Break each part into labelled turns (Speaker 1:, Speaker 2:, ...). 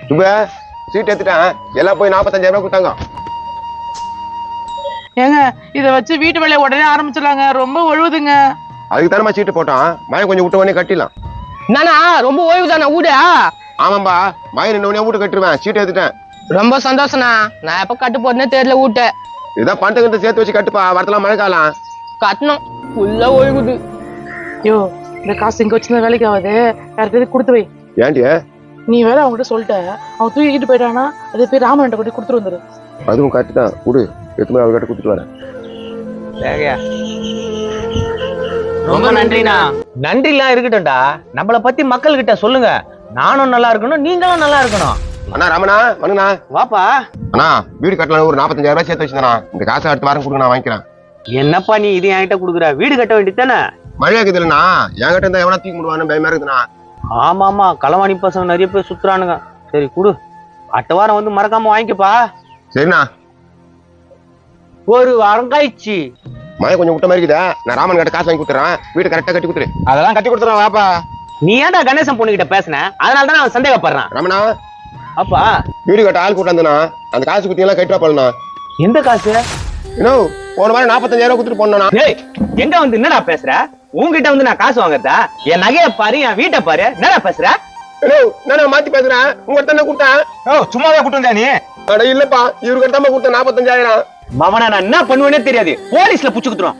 Speaker 1: சுப சீட் எடுத்துட்டேன், எல்லாம் போய் 45,000 ரூபாய் கொடுத்தாங்க.
Speaker 2: ஏங்க இதை வச்சு வீட்டு வேலையை உடனே ஆரம்பிச்சிடலாங்க, ரொம்ப ஒழுகுதுங்க.
Speaker 1: அதுக்கு தானே சீட்டு போட்டான், மழை கொஞ்சம் விட்ட உடனே கட்டிடலாம்.
Speaker 3: நானா ரொம்ப ஓய்வு தானே வீடு?
Speaker 1: ஆமாம்பா, மழை நின்று உடனே வீட்டு கட்டிடுவேன், சீட்டு எடுத்துட்டேன்.
Speaker 3: ரொம்ப சந்தோஷம்ண்ணா. நான் எப்ப கட்டு போறேன்னே தெரியல வீட்டை.
Speaker 1: இதான் பணத்தை சேர்த்து வச்சு கட்டுப்பா, வரத்தெல்லாம் மழை காலம்
Speaker 3: கட்டணும் ஃபுல்லா ஒழுகுது.
Speaker 2: ஐயோ இந்த காசு இங்க வச்சிருந்த வேலைக்கு ஆகுது, யாருக்கு கொடுத்து வை.
Speaker 1: ஏன்டி?
Speaker 2: நீ வேற அவங்ககிட்ட சொல்லிட்ட, அவன் தூக்கிட்டு போயிட்டானா அது போய் ராமன் கொண்டு கொடுத்துட்டு வந்துரு.
Speaker 1: அதுவும் கரெக்ட் தான், கொடு, எத்தனை அவர்கிட்ட கொடுத்துட்டு வரேன்.
Speaker 4: ரொம்ப நன்றிண்ணா. நன்றி எல்லாம் இருக்கட்டும்டா, நம்மளை பத்தி மக்கள் கிட்ட சொல்லுங்க. நானும் நல்லா இருக்கணும், நீங்களும் நல்லா இருக்கணும்.
Speaker 1: அண்ணா ராமண்ணா வணங்கண்ணா.
Speaker 4: வாப்பா.
Speaker 1: அண்ணா வீடு கட்டலாம், ஒரு 45,000 ரூபாய் சேர்த்து வச்சுருந்தா, இந்த காசை அடுத்த வாரம் கொடுங்க, நான் வாங்கிக்கிறேன்.
Speaker 4: என்னப்பா நீ இது என்கிட்ட கொடுக்குற? வீடு கட்ட வேண்டியதானே?
Speaker 1: மழையா இருக்குது இல்லைண்ணா, என்கிட்ட இருந்தா எவனா தூக்கி முடுவான்னு பயமா இருக்குதுண்ணா.
Speaker 4: ஆமா களவாணி பசங்க நிறைய பேர் சுத்துறானுங்க. சரி குடு, அடுத்த வாரம் வந்து மறக்காம வாங்கிக்கப்பா.
Speaker 1: சரிண்ணா.
Speaker 4: ஒரு வாரம் கழிச்சு
Speaker 1: மழை கொஞ்சம் விட்ட மாதிரி இருக்குதா, நான் ராமன் கிட்ட காசு வாங்கி கொடுத்துறேன், வீடு கரெக்டா கட்டி கொடுத்துரு.
Speaker 4: அதெல்லாம் கட்டி கொடுத்துறேன் வாப்பா. நீ ஏன்டா கணேசன் பொண்ணு கிட்ட பேசின? அதனால தான் நான் சந்தேகப்படுறேன்.
Speaker 1: ரமணா
Speaker 4: அப்பா
Speaker 1: வீடு கட்ட ஆள் கூட்டாந்துண்ணா, அந்த காசு குத்தியெல்லாம் கட்டுறா போலண்ணா.
Speaker 4: எந்த காசு?
Speaker 1: இன்னும் போன மாதிரி 45,000 ரூபாய் கொடுத்துட்டு போனா.
Speaker 4: எங்க வந்து என்னடா பேசுற? உங்ககிட்ட வந்து நான் காசு வாங்கறதா? என் நகையை பாரு, என் வீட்டை பாரு, என்னடா பேசுற?
Speaker 1: நான் மாத்தி பேசுறேன், உங்க தானே கொடுத்தேன்.
Speaker 4: சும்மாவே கொடுத்தா நீ?
Speaker 1: அட இல்லப்பா, இவருக்கு தான் கொடுத்த 45,000.
Speaker 4: மவனை நான் என்ன பண்ணுவேனே தெரியாது, போலீஸ்ல புடிச்சு குடுத்துறோம்.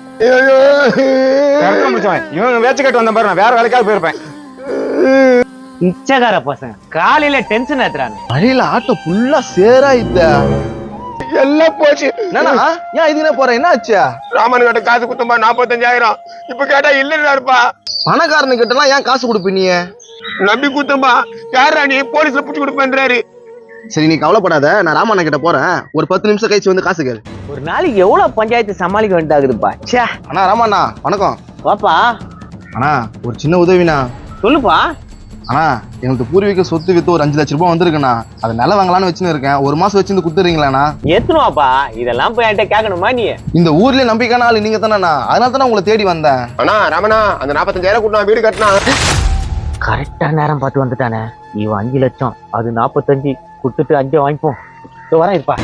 Speaker 5: இவன் வேச்சு கட்டு வந்த பாரு, நான் வேற வேலைக்காக போயிருப்பேன்.
Speaker 4: இச்சகார பசங்க காலையில டென்ஷன் ஏத்துறாங்க.
Speaker 5: மழையில ஆட்டோ ஃபுல்லா சேரா இத்த
Speaker 1: எல்லாம் போச்சு.
Speaker 5: என்னன்னா ஏன் இதுனே போற, என்ன ஆச்சு?
Speaker 1: ராமன் கிட்ட காசு குத்தம்பா 45,000, இப்ப கேட்டா இல்லைன்னாருப்பா.
Speaker 5: பணக்காரனு கிட்ட எல்லாம் ஏன் காசு கொடுப்ப நீ?
Speaker 1: நம்பி குத்தம்பா, யாரா நீ போலீஸ்ல புடிச்சு கொடுப்பேன்றாரு.
Speaker 5: சரி நீ கவலைப்படாத, நான் ராமண்ண கிட்ட போறேன், ஒரு 10 நிமிஷம் கழிச்சு வந்து காசு கேளு.
Speaker 4: ஒரு நாளைக்கு எவ்வளவு பஞ்சாயத்து சமாளிக்க வேண்டியதாகுதுப்பா. ச்சே.
Speaker 5: அண்ணா ராமண்ணா வணக்கம்.
Speaker 4: வாப்பா.
Speaker 5: அண்ணா ஒரு சின்ன உதவிண்ணா.
Speaker 4: சொல்லுப்பா.
Speaker 5: அண்ணா எங்களுக்கு பூர்வீக சொத்து வித்து ஒரு 5 லட்சம் ரூபாய் வந்திருக்குண்ணா, அதை நிலம் வாங்கலான்னு வச்சுன்னு இருக்கேன், ஒரு மாசம் வச்சு கொடுத்துறீங்களாண்ணா?
Speaker 4: எத்தனுவாப்பா, இதெல்லாம் போய் என்கிட்ட கேட்கணுமா நீ?
Speaker 5: இந்த ஊர்லயே நம்பிக்கையான ஆளு நீங்க தானேண்ணா, அதனால தானே உங்களை தேடி வந்தேன்.
Speaker 1: அண்ணா ராமண்ணா அந்த 45,000 கொடுத்தா வீடு கட்டினா.
Speaker 4: கரெக்டா நேரம் பார்த்து வந்துட்டானே. இவன் 5 லட்சம், அது 45, கொடுத்துட்டு 5 வாங்கிப்போம். வரேன் இருப்பா.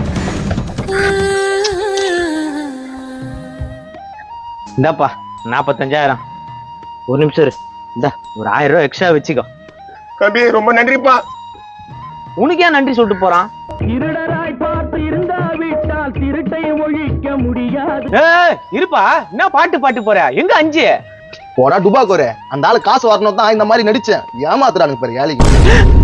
Speaker 4: இந்தாப்பா 45,000. ஒரு நிமிஷம் இரு, இந்த ஒரு 1000 ரூபாய் எக்ஸ்ட்ரா வச்சுக்கோ.
Speaker 1: கபி ரொம்ப நன்றிப்பா.
Speaker 4: உனக்கு ஏன் நன்றி சொல்லிட்டு போறான்? இருப்பா, என்ன பாட்டு போற? எங்க 5?
Speaker 5: போடா டுபாக்கோரே, அந்த ஆளு காசு வரணும் தான் இந்த மாதிரி நடிச்சேன், ஏமாத்துறானுங்க பாரு ஏழைக்கு.